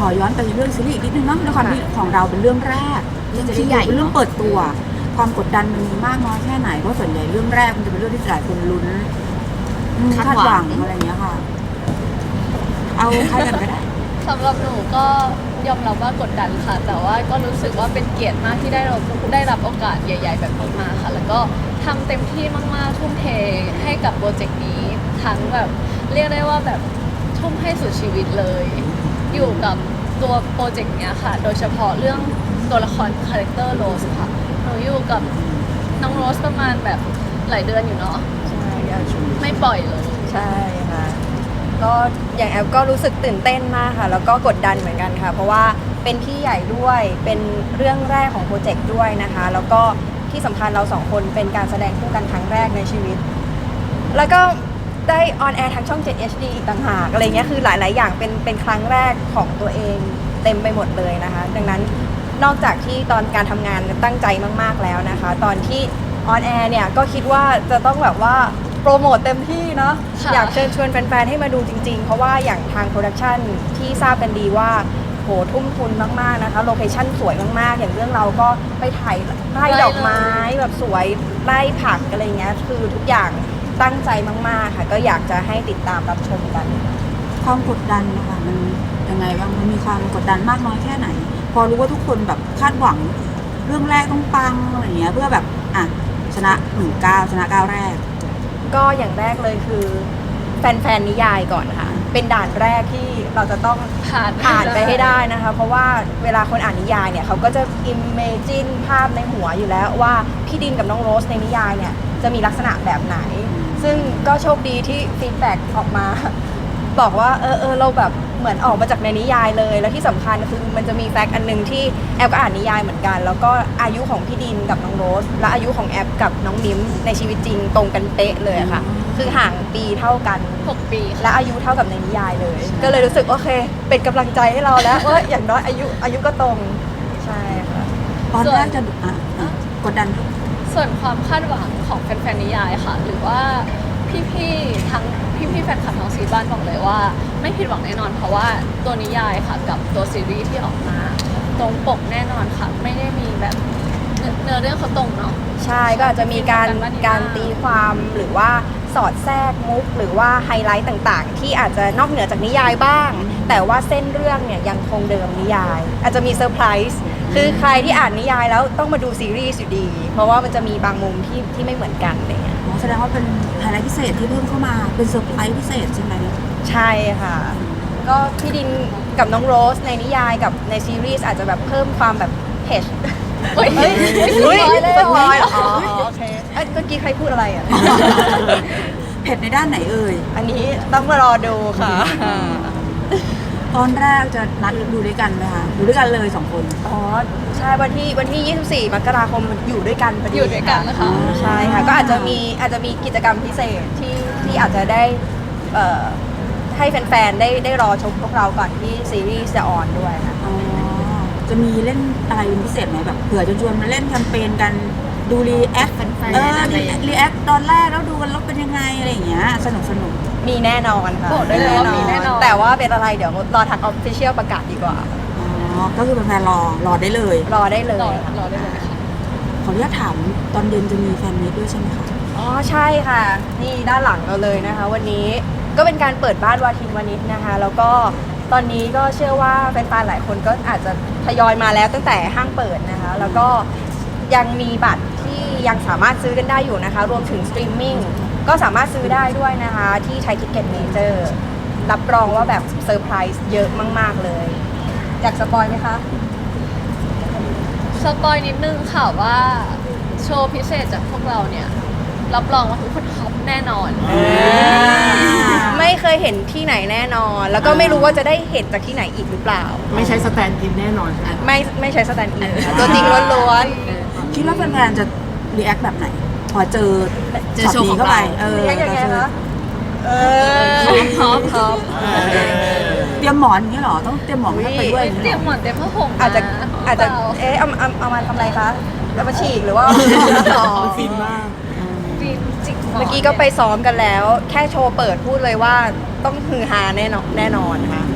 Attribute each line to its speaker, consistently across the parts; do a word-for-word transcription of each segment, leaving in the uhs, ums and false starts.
Speaker 1: อย้อนไปเรื่องซีรีส์อีกนิดนึงเนาะด้วยความที่ของเราเป็นเรื่องแรกที่ใหญ่เป็นเรื่องเปิดตัวความกดดันมันมีมากน้อยแค่ไหนเพราะส่วนใหญ่เรื่องแรกมันจะเป็นเรื่องที่หลายคนลุ้นคาดหวังอะไรอย่างเงี้ยค่ะเอาใครกันก็ได้
Speaker 2: สำหรับหนูก็ยอมรับว่ากดดันค่ะแต่ว่าก็รู้สึกว่าเป็นเกียรติมากที่ได้เราได้รับโอกาสใหญ่ๆแบบนี้มาค่ะแล้วก็ทำเต็มที่มากๆทุ่มเทให้กับโปรเจกต์นี้ทั้งแบบเรียกได้ว่าแบบทุ่มให้สุดชีวิตเลยอยู่กับตัวโปรเจกต์เนี้ยค่ะโดยเฉพาะเรื่องตัวละครคาแรคเตอร์โรสค่ะหนูอยู่กับน้องโรสประมาณแบบหลายเดือนอยู่เนาะ
Speaker 3: ใช่
Speaker 2: ไม่ปล่อยเลย
Speaker 3: ใช่ค่ะก็อย่างแอฟก็รู้สึกตื่นเต้นมากค่ะแล้วก็กดดันเหมือนกันค่ะเพราะว่าเป็นพี่ใหญ่ด้วยเป็นเรื่องแรกของโปรเจกต์ด้วยนะคะแล้วก็ที่สำคัญเราสองคนเป็นการแสดงคู่กันครั้งแรกในชีวิตแล้วก็ได้ออนแอร์ทางช่อง เจ็ด เอช ดี อีกต่างหากอะไรเงี้ยคือหลายๆอย่างเป็นเป็นครั้งแรกของตัวเองเต็มไปหมดเลยนะคะดังนั้นนอกจากที่ตอนการทำงานตั้งใจมากๆแล้วนะคะตอนที่ออนแอร์เนี่ยก็คิดว่าจะต้องแบบว่าโปรโมทเต็มที่เนาะอยากเชิญชวนแฟนๆให้มาดูจริงๆเพราะว่าอย่างทางโปรดักชันที่ทราบกันดีว่าโหทุ่มทุนมากๆนะคะโลเคชั่นสวยมากๆอย่างเรื่องเราก็ไปถ่ายไร่ดอกไม้แบบสวยไร่ผักอะไรเงี้ยคือทุกอย่างตั้งใจมากๆค่ะก็อยากจะให้ติดตามรับชมกัน
Speaker 1: ความกดดันนะคะมันยังไงบ้างมันมีความกดดันมากน้อยแค่ไหนพอรู้ว่าทุกคนแบบคาดหวังเรื่องแรกต้องปังอะไรเงี้ยเพื่อแบบอ่ะชนะหนึ่งก้าวชนะก้าวแรก
Speaker 3: ก็อย่างแรกเลยคือแฟนๆนิยายก่อนค่ะเป็นด่านแรกที่เราจะต้องผ่านผ่านไปให้ได้นะคะเพราะว่าเวลาคนอ่านนิยายเนี่ยเขาก็จะอิมเมจินภาพในหัวอยู่แล้วว่าพี่ดินกับน้องโรสในนิยายเนี่ยจะมีลักษณะแบบไหนซึ่งก็โชคดีที่ฟีดแบ็กออกมาบอกว่าเออเออเราแบบเหมือนออกมาจากในนิยายเลยแล้วที่สำคัญคือมันจะมีแฟกต์อันนึงที่แอปก็อ่านนิยายเหมือนกันแล้วก็อายุของพี่ดินกับน้องโรสและอายุของแอปกับน้องมิ้มในชีวิตจริงตรงกันเป๊ะเลยค่ะคือห่างปีเท่ากัน
Speaker 2: หกปี
Speaker 3: และอายุเท่ากับในนิยายเลยก็เลยรู้สึกโอเคเป็นกำลังใจให้เราแล้วว่าอย่างน้อยอายุอายุก็ตรงใช่ค่ะ
Speaker 1: ตอนแรกจะกดดัน
Speaker 2: ส่วนความคาดหวังของแฟนๆนิยายค่ะหรือว่าพี่ๆทั้งพี่ๆแฟนคลับทั้งซีบ้านบอกเลยว่าไม่ผิดหวังแน่นอนเพราะว่าตัวนิยายค่ะกับตัวซีรีส์ที่ออกมาตรงปกแน่นอนค่ะไม่ได้มีแบบเนื้อเรื่องเขาตรงเนาะ
Speaker 3: ใช่ก็อาจจะมีการการตีความหรือว่าสอดแทรกมุกหรือว่าไฮไลท์ต่างๆที่อาจจะนอกเหนือจากนิยายบ้างแต่ว่าเส้นเรื่องเนี่ยยังคงเดิมนิยายอาจจะมีเซอร์ไพรส์คือใครที่อ่านนิยายแล้วต้องมาดูซีรีส์อยู่ดีเพราะว่ามันจะมีบางมุมที่ที่ไม่เหมือนกันอะไรเงี้ย
Speaker 1: แสดงว่าเป็นไฮไลท์พิเศษที่เพิ่มเข้ามาเป็นเซอร์ไพรส์พิเศษใช่ไหม
Speaker 3: ใช่ค่ะก็พี่ดินกับน้องโรสในนิยายกับในซีรีส์อาจจะแบบเพิ่มความแบบเผ็ดเฮ้ยเฮ้ยเฮ้ยสปอยล์อ๋อโอเคเมื่อกี้ใครพูดอะไรอ่ะ
Speaker 1: เผ็ดในด้านไหนเอ่ย
Speaker 3: อันนี้ต้องมารอดูค่ะ
Speaker 1: ตอนแรกจะนัดดูด้วยกันไหมคะดูด้วยกันเลยสองคน
Speaker 3: อ๋อใช่วันที่วันที่ยี่สิบสี่มกราคมอยู่ด้วยกันพอดี
Speaker 2: อยู่ด้วยกันนะคะ
Speaker 3: ใช่ค่ะก็อาจจะมีอาจจะมีกิจกรรมพิเศษที่ที่อาจจะได้เอ่อให้แฟนๆได้ได้รอชมพวกเราก่อนที่ซีรีส์จะออนด้วยนะ
Speaker 1: อ๋อจะมีเล่นอะไรเป็นพิเศษไหมแบบเผื่อจะชวนมาเล่นแคมเปญกันดูรีแอคเออรีแอคตอนแรกแล้วดูกันแล้วเป็นยังไงอะไรอย่างเงี้ยสนุกสนุก
Speaker 3: มีแน่นอนค่ะ
Speaker 2: บอกได้เลยว่ามีแน่นอน
Speaker 3: แต่ว่าเป็นอะไรเดี๋ยวรอทางออฟฟิเชียลประกาศดีกว่า
Speaker 1: อ๋อก็คือเป็นแฟนรอรอได้เลย
Speaker 3: รอได้เลย
Speaker 2: รอได้เลยค่ะ
Speaker 1: ขออนุญาตถามตอนเย็นจะมีแฟนมีตด้วยใช่ไหมคะ
Speaker 3: อ๋อใช่ค่ะนี่ด้านหลังเราเลยนะคะวันนี้ก็เป็นการเปิดบ้านวาทินวณิชนะคะแล้วก็ตอนนี้ก็เชื่อว่าแฟนๆหลายคนก็อาจจะทยอยมาแล้วตั้งแต่ห้างเปิดนะคะแล้วก็ยังมีบัตรที่ยังสามารถซื้อกันได้อยู่นะคะรวมถึงสตรีมมิ่งก็สามารถซื้อได้ด้วยนะคะที่ไทยทิกเก็ตเมเจอร์รับรองว่าแบบเซอร์ไพรส์เยอะมากๆเลยอยากสปอยไหมคะ
Speaker 2: สปอยนิดนึงค่ะว่าโชว์พิเศษจากพวกเราเนี่ยรับรองว่าทุกคนท็อปแน่นอน
Speaker 3: ไม่เคยเห็นที่ไหนแน่นอนแล้วก็ไม่รู้ว่าจะได้เห็นจากที่ไหนอีกหรือเปล่า
Speaker 4: ไม่ใช่สแตนด์อินแน่นอน
Speaker 3: ไม่ไม่ใช่สแตนด์อินตัวจริงล้วน
Speaker 1: ๆคิดว่าแฟนๆจะรีแอคแบบไหนพอเจอเจอโชว์เข้าไปเออ
Speaker 3: ยังไงคะเออ
Speaker 2: ท็อปท็อป
Speaker 1: เตรียมหมอนอย่างนี้หรอต้องเตรียมหมอนไปด้วย
Speaker 2: เตรียมหมอนเตรียมผ้าห่ม
Speaker 3: อาจจะอาจจะเอ๊ะเอาเอาเอามาทำอะไรคะเอามาฉีกหรือว่า
Speaker 4: ต่อฟินมาก
Speaker 3: เมื่อกี้ก็ไปซ้อมกันแล้วแค่โชว์เปิดพูดเลยว่าต้องฮือฮาแน่นอนแน่นอนค่ะ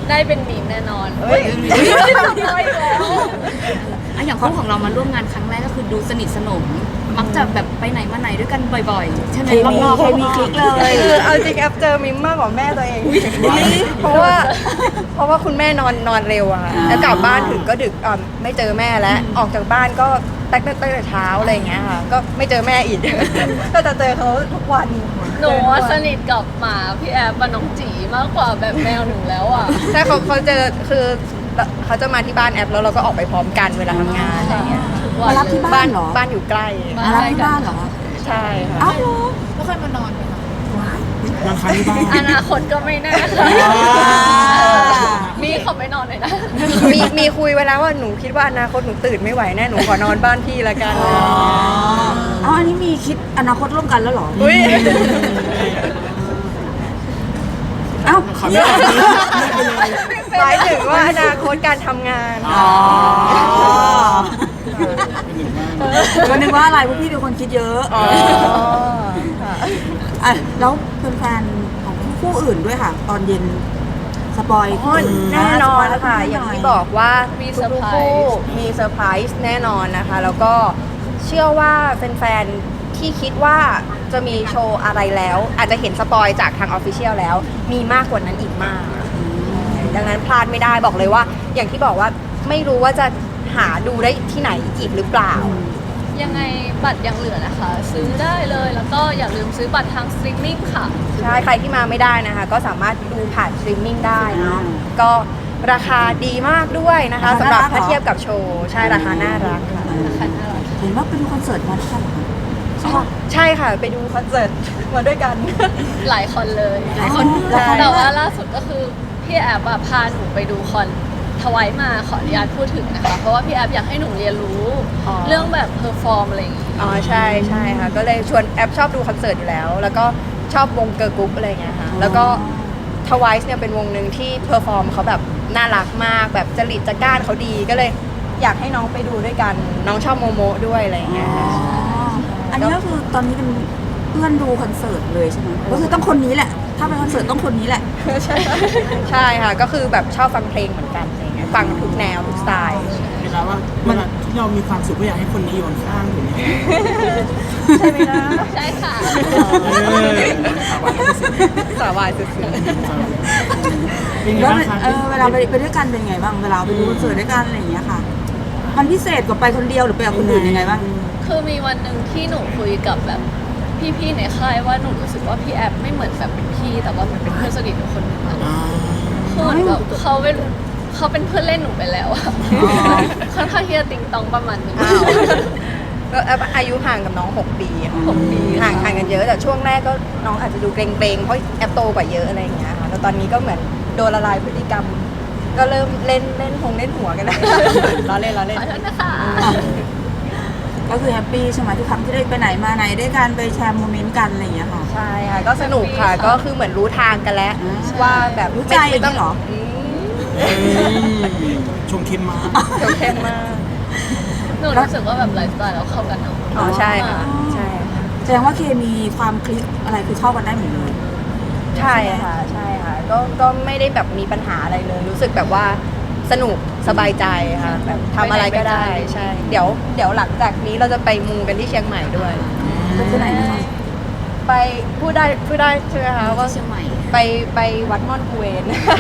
Speaker 2: ได้เป็นมีมแน่นอน
Speaker 3: เฮ้ย
Speaker 5: อะอย่างคู่ของเรามาร่วมงานครั้งแรกก็คือดูสนิทสนม มักจะแบบไปไหนมาไหนด้วยกันบ่อยๆ ใช่ไหม
Speaker 1: เคมี
Speaker 5: รอบๆ
Speaker 1: เคมีคลิกเลย
Speaker 3: คือเอาจริงแอปเจอมิมมากกว่าแม่ตัวเอง เพราะว่าเพราะว่าคุณแม่นอนนอนเร็วอะค่ะแล้วกลับบ้านถึงก็ดึกอ่ะไม่เจอแม่แล้วออกจากบ้านก็ตั้งแต่ตั้งแต่เช้าอะไรอย่างเงี้ยค่ะก็ไม่เจอแม่อีก ก็จะเจอเขาทุกวัน
Speaker 2: หนูว่าสนิทกับหมาพี่แอฟกับน้องจีมากกว่าแบบแมวหนูแล้วอ่ะ
Speaker 3: ใช่เขาเขาเจอคือเขาจะมาที่บ้านแอปแล้วเราก็ออกไปพร้อมกันเวลาทำงานอะไรอย่างเงี้ย
Speaker 2: ทุกวั
Speaker 1: มาน รับ
Speaker 2: เลย
Speaker 1: ที่บ้านเหรอ
Speaker 3: บ้านอยู่ใกล้
Speaker 2: บ้
Speaker 1: มารับที่บ้านเหรอ
Speaker 3: ใช่ค่ะ
Speaker 1: เอ้าเหรอ
Speaker 5: ไม่ค่อยมานอนเลยค่ะ
Speaker 4: นอนค้างที่บ้าน
Speaker 2: อนาคตก็ไม่แน่ค่ะ
Speaker 1: อ่า
Speaker 2: มีเขาไม่นอนเลยนะ
Speaker 3: มีมีคุยไว้แล้วว่าหนูคิดว่าอนาคตหนูตื่นไม่ไหวแน่หนูขอนอนบ้านพี่ละกัน
Speaker 1: อ๋อเอาอันนี้มีคิดอนาคตร่วมกันแล้วเหรอ
Speaker 3: อุ้ย
Speaker 1: เอ้า
Speaker 4: ขอไม่ตอบนี้ไม่ไปเลย
Speaker 3: หมายถึงว่าอนาคตการทำงาน
Speaker 1: อ๋อก็นึกว่าอะไรพวกพี่เป็นคนคิดเยอะ
Speaker 3: อ๋อค่ะ
Speaker 1: อ่ะแล้วแฟนๆของคู่อื่นด้วยค่ะ ตอนเย็นสปอย
Speaker 3: อ๋อแน่นอนค่ะ
Speaker 1: สป
Speaker 3: อย่าง
Speaker 1: ห
Speaker 3: ที่บอกว่า
Speaker 2: มี
Speaker 3: มี
Speaker 2: เซอร์ไพรส์
Speaker 3: คู่มีเซอร์ไพรส์แน่นอนนะคะ แล้วก็เชื่อว่าแฟนๆที่คิดว่าจะมีโชว์อะไรแล้ว อาจจะเห็นสปอยจากทางออฟฟิเชียลแล้ว มีมากกว่านั้นอีกมาก ดังนั้นพลาดไม่ได้บอกเลยว่า อย่างที่บอกว่าไม่รู้ว่าจะหาดูได้ที่ไหนอีกหรือเปล่า
Speaker 2: ยังไงบัตรยังเหลือนะคะ ซื้อได้เลยแล้วก็อย่าลืมซื้อบัตรทางสตรีมมิ่งค่ะ
Speaker 3: ใช่ ใครที่มาไม่ได้นะคะ ก็สามารถดูผ่านสตรีมมิ่งได้เนาะก็ราคาดีมากด้วยนะคะสำหรับถ้าเทียบกับโชว์ ใช่ราคาน่ารักค่ะ
Speaker 1: เห็นว่าไปดูคอนเสิร์ตมาด้วยกันเหรอ
Speaker 3: ใช่ค่ะ ไปดูคอนเสิร์ตมาด้วยกัน
Speaker 2: หลายคนเลย
Speaker 1: หลายคนหลายคน
Speaker 2: แต่ว่าล่าสุดก็คือพี่แอบอะพาหนูไปดูคอนทวายมาขออนุญาตพูดถึงนะคะ เพราะว่าพี่แอบอยากให้หนูเรียนรู้
Speaker 3: อ๋อ
Speaker 2: เรื่องแบบเพอร์ฟอร์มอะไรอย่างงี้
Speaker 3: อ๋อใช่ใช่ค่ะ ก็เลยชวนแอปชอบดูคอนเสิร์ตอยู่แล้ว แล้วก็ชอบวงเกิร์ลกรุ๊ปอะไรอย่างเงี้ยค่ะ แล้วก็ทวายเนี่ยเป็นวงหนึ่งที่เพอร์ฟอร์มเขาแบบน่ารักมาก แบบจริตจักร้านเขาดี ก็เลยอยากให้น้องไปดูด้วยกัน น้องชอบโมโมด้วยอะไรอย่างเงี้ยค่ะ
Speaker 1: อันนี้ก็คือตอนนี้เป็นเพื่อนดูคอนเสิร์ตเลยใช่ไหมก็คือต้องคนนี้แหละ ถ้าไปคอนเสิร์ตต้องคนนี้แหละ
Speaker 3: ใช่ใช่ค่ะ ก็คือแบบชอบฟังเพลงเหมือนกันอะไรเงี้ยฟังทุกแนวทุกสไตล์
Speaker 4: เวลาว่าเวลาที่เรามีความสุขก็อยากให้คนนี้อยู่ข้างๆถูกไหม
Speaker 3: ใช่ไหมนะ
Speaker 2: ใช่ค่ะ
Speaker 4: เออ
Speaker 3: สาวายสุด
Speaker 4: เป็นไง
Speaker 1: แล้ว
Speaker 4: บ้างคะ
Speaker 1: เออเวลาไปไปด้วยกันเป็นไงบ้าง เวลาไปดูคอนเสิร์ตด้วยกันอะไรอย่างเงี้ยค่ะ มันพิเศษกว่าไปคนเดียวหรือไปกับคนอื่นยังไงบ้าง
Speaker 2: คือมีวันหนึ่งที่หนูคุยกับแบบพี่ๆในค่ายว่าหนูรู้สึกว่าพี่แอบไม่เหมือนแบบเป็นพี่ แต่ว่าเหมันเป็นเพื่อนสนิทหนูคนหนึ่งอะ
Speaker 4: อ่า
Speaker 2: คือเหมือนแบบเขาเป็นเขาเป็นเพื่อนเล่นหนูไปแล้วอะค่อนข้างที่จะติงตองประมาณนึง
Speaker 3: ๆอ้าวก็แอปอายุห่างกับน้อง 6 ปีค่ะ
Speaker 2: หกปี
Speaker 3: ห่างห่างกันเยอะ แต่ช่วงแรกก็น้องอาจจะดูเกรงๆ เพราะแอปโตกว่าเยอะอะไรอย่างเงี้ยค่ะแล้วตอนนี้ก็เหมือนโดนละลายพฤติกรรม ก็เริ่มเล่นเล่นพงเล่นหัวกันแล้ว ล้อเล่นล้อเล่น
Speaker 2: ขอโทษนะคะ
Speaker 1: ก็คือแฮปปี้ใช่ไหมทุกครั้งที่ได้ไปไหนมาไหนด้วยกันไปแชร์โมเมนต์กันอะไรอย่างเงี้ยค่ะ
Speaker 3: ใช่ค่ะ ก็สนุกค่ะ ก็คือเหมือนรู้ทางกันแล้ว
Speaker 1: อ่า
Speaker 3: ว่าแบบ
Speaker 1: รู้ใจอย่างนี้เหรอ
Speaker 3: ม
Speaker 4: เอ้ยชงเข้มมาก
Speaker 3: เขียวเข้มมาก
Speaker 2: หนูรู้สึกว่าแบบไลฟ์สไตล์เราเข้ากันเนาะ
Speaker 3: อ๋อใช่ค่ะ ใช่ค่ะ
Speaker 1: แสดงว่าเคมีความคลิกอะไรคือเข้ากันได้หมดเลย
Speaker 3: ใช่ค่ะ ใช่ค่ะ ก็ก็ไม่ได้แบบมีปัญหาอะไรเลย รู้สึกแบบว่าสนุกสบายใจค่ะ แบบทำอะไรก็ได้ ใช่ เดี๋ยวเดี๋ยวหลังจากนี้เราจะไปมูกันที่เชียงใหม่ด้วย
Speaker 1: ก็คือไหนนะคะ
Speaker 3: ไปพูดได้พูดได้ใช่ไหมคะว่า
Speaker 5: เชียงใหม่
Speaker 3: ไปไปวัดม่อนกุเวน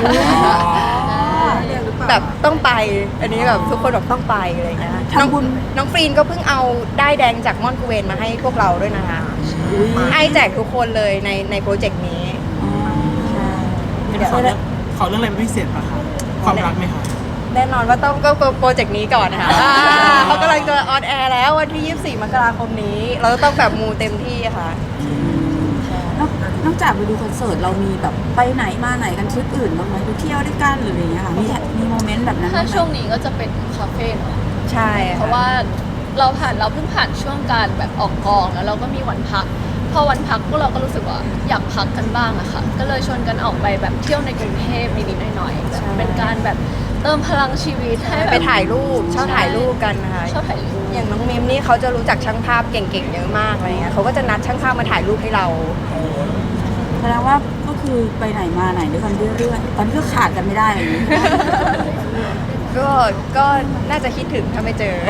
Speaker 3: แบบต้องไป อันนี้แบบทุกคนแบบต้องไปอะไรอย่างเงี้ยน้อง
Speaker 1: ทำบุญ
Speaker 3: น้องฟรีนก็เพิ่งเอาได้ายแดงจากม่อนกุเวนมาให้พวกเราด้วยนะคะให้แจกทุกคนเลยในในโปรเจกต์นี้
Speaker 4: ขอเรื่องขอเรื่องอะไรเป็นพิเศษป่ะคะความรักไหมคะ
Speaker 3: แน่นอนว่าต้องก็โปรเจกต์นี้ก่อนนะคะอ่าเขากำลังจะออนแอร์แล้ววันที่ยี่สิบสี่มกราคมนี้ เราจะต้องแบบมูเต็มที่ค่ะ
Speaker 1: นอกนอกจากไปดูคอนเสิร์ตเรามีแบบไปไหนมาไหนกันทริปอื่นบ้างไหมไปเที่ยวด้วยกันหรืออะไรอย่างเงี้ยค่ะมีมีโมเมนต์แบบนั้น
Speaker 2: ถ้า
Speaker 1: บ้างไหม
Speaker 2: ช่วงนี้ก็จะเป็นคาเฟ่เนาะ
Speaker 3: ใช่
Speaker 2: เพราะว่าเราผ่านเราเพิ่งผ่านช่วงการแบบออกกองแล้วเราก็มีวันพัก พอวันพักพวกเราก็รู้สึกว่าอยากพักกันบ้างอะค่ะ ก็เลยชวนกันออกไปแบบเที่ยวในกรุงเทพนิดๆหน่อยๆแบบเป็นการแบบเติมพลังชีวิตให้แบบ
Speaker 3: ไปถ่ายรูปชอบถ่ายรูปกันนะคะ
Speaker 2: ชอบถ่ายรูป
Speaker 3: อย่างน้องมิมนี่เขาจะรู้จักช่างภาพเก่งๆเยอะมากอะไรเงี้ยเขาก็จะนัดช่างภาพมาถ่ายรูปให้เรา
Speaker 1: แสดงว่าก็คือคือไปไหนมาไหนด้วยกันเรื่อยๆตอนนี้ก็ขาดกันไม่ได้อะไรอย่างนี้
Speaker 3: ก็ก็น่าจะคิดถึงถ้าไม่เจอ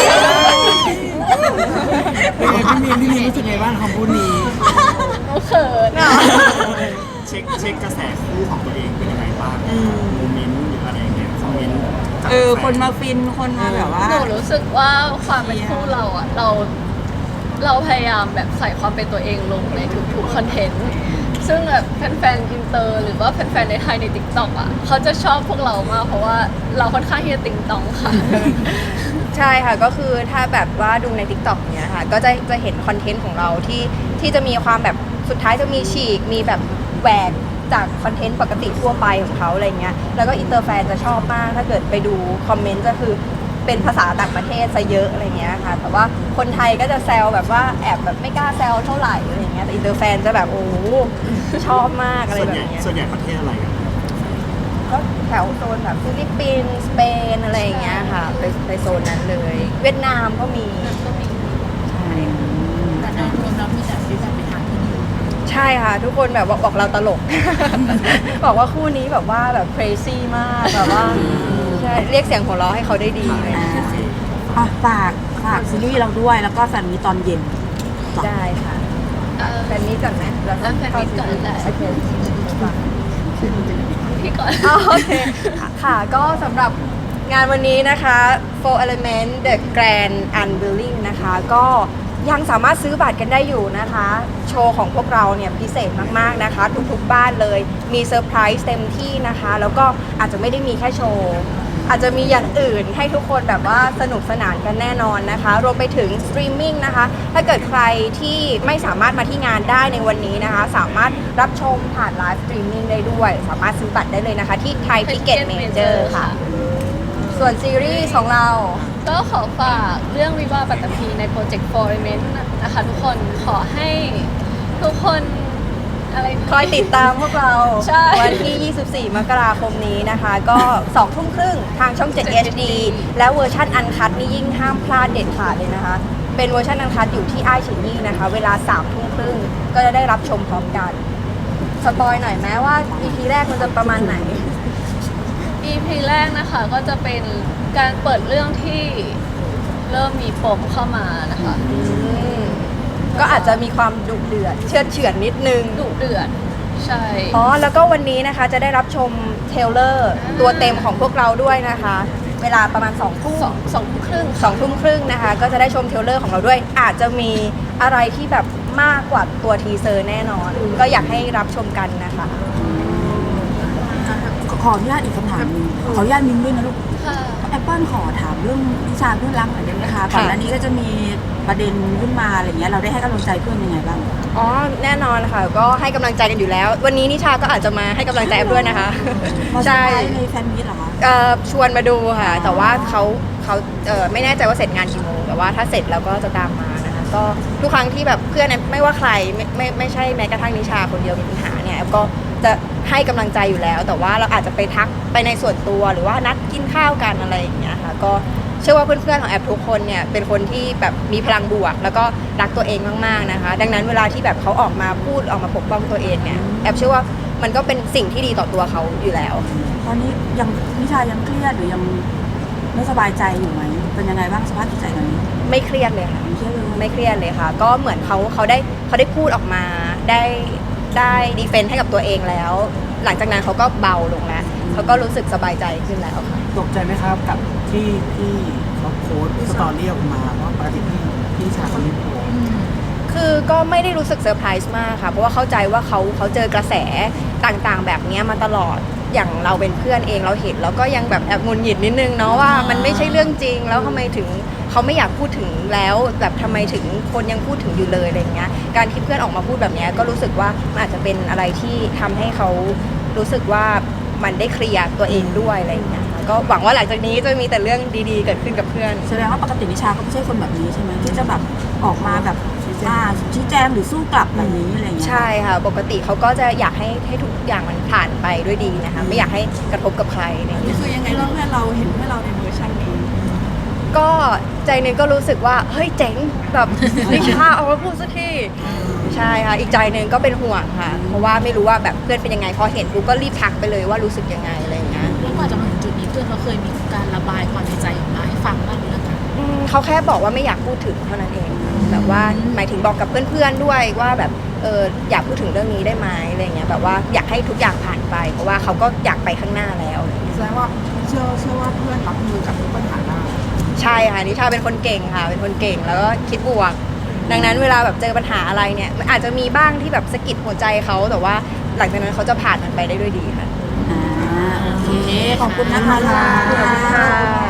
Speaker 4: เป็นไงพี่มีนพี่มีนรู้สึกไงบ้างคำพูดนี้
Speaker 2: หนูเขิน
Speaker 6: เช็คเช็คกระแสคู่ของตัวเองเป็นยังไงบ้างโมเมนต์หรืออะไรอย่างเงี้ยคอมเมนต์จาก
Speaker 1: เออ
Speaker 6: แฟ
Speaker 1: คนมาฟินคนมาแบบว่า
Speaker 2: หนูรู้สึกว่าความเป็นคู่เราอ่ะเราเราพยายามแบบใส่ความเป็นตัวเองลงในทุกๆคอนเทนต์ซึ่งแบบแฟนๆอินเตอร์หรือว่าแฟนๆในไทยในติ๊กต็อกอ่ะเขาจะชอบพวกเรามากเพราะว่าเราค่อนข้างที่จะติงตองค่ะ
Speaker 3: ใช่ค่ะก็คือถ้าแบบว่าดูใน ติ๊กต็อก เนี้ยค่ะก็จะจะเห็นคอนเทนต์ของเราที่ที่จะมีความแบบสุดท้ายจะมีฉีกมีแบบแหวกจากคอนเทนต์ปกติทั่วไปของเขาอะไรเงี้ยแล้วก็อินเตอร์แฟนจะชอบมากถ้าเกิดไปดูคอมเมนต์ก็คือเป็นภาษาต่างประเทศซะเยอะอะไรเงี้ยค่ะแต่ว่าคนไทยก็จะแซวแบบว่าแอบแบบไม่กล้าแซวเท่าไหร่อะไรเงี้ยแต่อินเตอร์แฟนจะแบบโอ้โหชอบมากอะไร
Speaker 6: ส่วน
Speaker 3: แบ
Speaker 6: ใหญ่
Speaker 3: บเนี้ย
Speaker 6: ส่วนใหญ่ประเทศอะไรกัน
Speaker 3: ก็แถวโซนแบบฟิลิปปินส์สเปนอะไรอย่างเงี้ยค่ะไปไปโซนนั้นเลย เวียดนามก็มีใช่
Speaker 5: แต่โดยรวมแล้วมีแต่ฟีดแบ็กไปทางที่ดี
Speaker 3: ใช่ค่ะ ทุกคนแบบบอกบอกเราตลก บอกว่าคู่นี้แบบว่าแบบ crazy มากแบบว่าใช่เรียกเสียงหัวเราะให้เขาได้ดีเลย
Speaker 1: อ่าอ่ะฝากฝากซีรีส์เราด้วยแล้วก็แฟนมีตอนเย็น
Speaker 3: ได้ค่ะแฟนนี้ก่อนไหมแล้ว
Speaker 2: อ่ะแฟนมีตก่อนได้
Speaker 3: โอเค
Speaker 2: พี่ก่อน
Speaker 3: อ๋อโอเคค่ะก็สำหรับงานวันนี้นะคะ Four Element The Grand Unveiling นะคะก็ยังสามารถซื้อบัตรกันได้อยู่นะคะ โชว์ของพวกเราเนี่ยพิเศษมากๆนะคะ ทุกๆบ้านเลยมีเซอร์ไพรส์เต็มที่นะคะ แล้วก็อาจจะไม่ได้มีแค่โชว์อาจจะมีอย่างอื่นให้ทุกคนแบบว่าสนุกสนานกันแน่นอนนะคะ รวมไปถึงสตรีมมิ่งนะคะ ถ้าเกิดใครที่ไม่สามารถมาที่งานได้ในวันนี้นะคะ สามารถรับชมผ่านไลฟ์สตรีมมิ่งได้ด้วย สามารถซื้อบัตรได้เลยนะคะ ที่ไทยทิเก็ตเมเจอร์ค่ะ ส่วนซีรีส์ของเรา
Speaker 2: ก็ขอฝากเรื่องวิวาห์ปัตตภีในโปรเจกต์ For Element นะคะทุกคนขอให้ทุกคนอะไรนะ
Speaker 3: คอยติดตามพวกเรา
Speaker 2: ใช่
Speaker 3: วันที่ ยี่สิบสี่ มกราคมนี้นะคะ ก็สองทุ่มครึ่งทางช่อง เจ็ด เอช ดี และเวอร์ชันอันคัดนี่ยิ่งห้ามพลาดเด็ดขาดเลยนะคะ เป็นเวอร์ชันอันคัดอยู่ที่ไอชินนี่นะคะ เวลาสามทุ่มครึ่งก็จะได้รับชมพร้อมกัน สปอยหน่อยไหมว่า อี พี แรกมันจะประมาณไหน
Speaker 2: อี พี แรกนะคะก็จะเป็นการเปิดเรื่องที่เริ่มมีปมเข้ามานะคะ
Speaker 3: อืมก็อาจจะมีความดุเดือดเชือดเฉือนนิดนึง
Speaker 2: ดุเดือดใช่
Speaker 3: อ๋อ แล้วก็วันนี้นะคะจะได้รับชมเทรลเลอร์ตัวเต็มของพวกเราด้วยนะคะ เวลาประมาณสองทุ่ม
Speaker 2: สองสองทุ่มครึ่ง
Speaker 3: สองทุ่มครึ่งนะคะ ก็จะได้ชมเทรลเลอร์ของเราด้วย อาจจะมีอะไรที่แบบมากกว่าตัวทีเซอร์แน่นอน ก็อยากให้รับชมกันนะคะ
Speaker 1: ขออนุญาตอีกคำถามหนึงขออนุญาตมิ้นด้วยนะลูก
Speaker 2: ค่ะ
Speaker 1: แอปเปิลขอถามเรื่องวิชาเพื่อนรักหน่อยได้ไหมคะก่อนหน้านี้ก็จะมีประเด็นขึ้นมาอะไรเงี้ยเราได้ให้กำลังใจเพื่อนยังไงบ้าง
Speaker 3: อ๋อ แน่นอนค่ะ ก็ให้กำลังใจกันอยู่แล้ว วันนี้นิชาก็อาจจะมาให้กำลังใจแอฟด้วยนะคะ
Speaker 1: มาเซอ
Speaker 3: ใช่
Speaker 1: ร์ไพรส์ในแฟนมิตเหรอคะ
Speaker 3: เอ่อชวนมาดูค่ะ แต่ว่าเขาเขาเอ่อไม่แน่ใจว่าเสร็จงานกี่โมงแต่ว่าถ้าเสร็จแล้วก็จะตามมานะคะ ก็ทุกครั้งที่แบบเพื่อนไม่ว่าใครไม่ไม่ไม่ใช่แม้กระทั่งนิชาคนเดียวมีปัญหาเนี่ยแอฟก็จะให้กำลังใจอยู่แล้ว แต่ว่าเราอาจจะไปทักไปในส่วนตัวหรือว่านัดกินข้าวกันอะไรอย่างเงี้ยค่ะก็เชื่อว่าเพื่อนๆของแอฟทุกคนเนี่ยเป็นคนที่แบบมีพลังบวก แล้วก็รักตัวเองมากๆนะคะ ดังนั้นเวลาที่แบบเขาออกมาพูดออกมาปกป้องตัวเองเนี่ยแอฟเชื่อว่ามันก็เป็นสิ่งที่ดีต่อตัวเขาอยู่แล้ว
Speaker 1: ตอนนี้ยังนิชายังเครียดหรือยังไม่สบายใจอยู่ไหมเป็นยังไงบ้างสภาพจิตใจตอนนี้
Speaker 3: ไม่เครียดเลยค่ะ
Speaker 1: ไม่เครียดเลย
Speaker 3: ไม่เครียดเลยค่ะ ก็เหมือนเขาเขาได้เขาได้พูดออกมาได้ได้ดีเฟนต์ให้กับตัวเองแล้ว หลังจากนั้นเขาก็เบาลงแล้วเขาก็รู้สึกสบายใจขึ้นแล้วค่ะ
Speaker 4: ตกใจไหมครับกับที่พี่เขาโพสต์สตอรี่ออกมาว่าปกติพี่พี่ชายเขาไม่โพสต์
Speaker 3: คือก็ไม่ได้รู้สึกเซอร์ไพรส์มากค่ะ เพราะว่าเข้าใจว่าเขาเขาเจอกระแสต่างๆ แบบเนี้ยมาตลอดอย่างเราเป็นเพื่อนเองเราเห็นแล้วก็ยังแบบแอบงุนหงิดนิดนึงเนาะว่ามันไม่ใช่เรื่องจริงแล้วทำไมถึงเขาไม่อยากพูดถึงแล้วแบบทำไมถึงคนยังพูดถึงอยู่เลยอะไรเงี้ยการที่เพื่อนออกมาพูดแบบเนี้ยก็รู้สึกว่ามันอาจจะเป็นอะไรที่ทำให้เขารู้สึกว่ามันได้เคลียร์ตัวเองด้วยอะไรอย่างเงี้ยค่ะก็หวังว่าหลังจากนี้จะมีแต่เรื่องดีๆเกิดขึ้นกับเพื่อน
Speaker 1: แสดงว่าปกตินิชาก็ไม่ใช่คนแบบนี้ใช่ไหมที่จะแบบออกมาแบบอ่าชี้แจงหรือสู้กลับแบบนี้อะไรอย่างเงี้ย
Speaker 3: ใช่ค่ะ ปกติเขาก็จะอยากให้ให้ทุกอย่างมันผ่านไปด้วยดีนะคะ ไม่อยากให้กระทบกับใครอะไรอย่างเงี้ย
Speaker 5: คือยังไงเพื่อนเราเห็นเพื่อนเราในเวอร์ชันนี้
Speaker 3: ก็ใจหนึงก็รู้สึกว่า เฮ้ยเจ๋งแบบนิชาเอามาพูดสักทีใช่ค่ะอีกใจหนึ่งก็เป็นห่วงค่ะ เพราะว่าไม่รู้ว่าแบบเพื่อนเป็นยังไงพอเห็นปุ๊บก็รีบทักไปเลยว่ารู้สึกยังไงอะไรอย่างเงี้ย
Speaker 7: แล้วกว่าจะมาถึงจุดนี้เพื่อนเราเคยมีการระบายความในใจออกมาให้ฟังบ้างหรือยังคะ
Speaker 3: อืมเขาแค่บอกว่าไม่อยากพูดถึงเท่านั้นเองค่ะแบบว่าหมายถึงบอกกับเพื่อนๆด้วยว่าแบบเอออยากพูดถึงเรื่องนี้ได้ไหมอะไรเงี้ยแบบว่าอยากให้ทุกอย่างผ่านไป เพราะว่าเขาก็อยากไปข้างหน้าแล้วอะไรเงี้ย
Speaker 4: แสดงว่าเชื่อเชื่อว่าเพื่อนรับมือกับทุกปัญหาได้
Speaker 3: ใช่ค่ะนิชาเป็นคนเก่งค่ะ เป็นคนเก่งแล้วก็คิดบวก ดังนั้นเวลาแบบเจอปัญหาอะไรเนี่ยมันอาจจะมีบ้างที่แบบสะกิดหัวใจเขาแต่ว่าหลังจากนั้นเขาจะผ่านมันไปได้ด้วยดีค่ะ
Speaker 1: อ่าโอเคขอบคุณนะคะ
Speaker 3: ขอบคุณค่ะ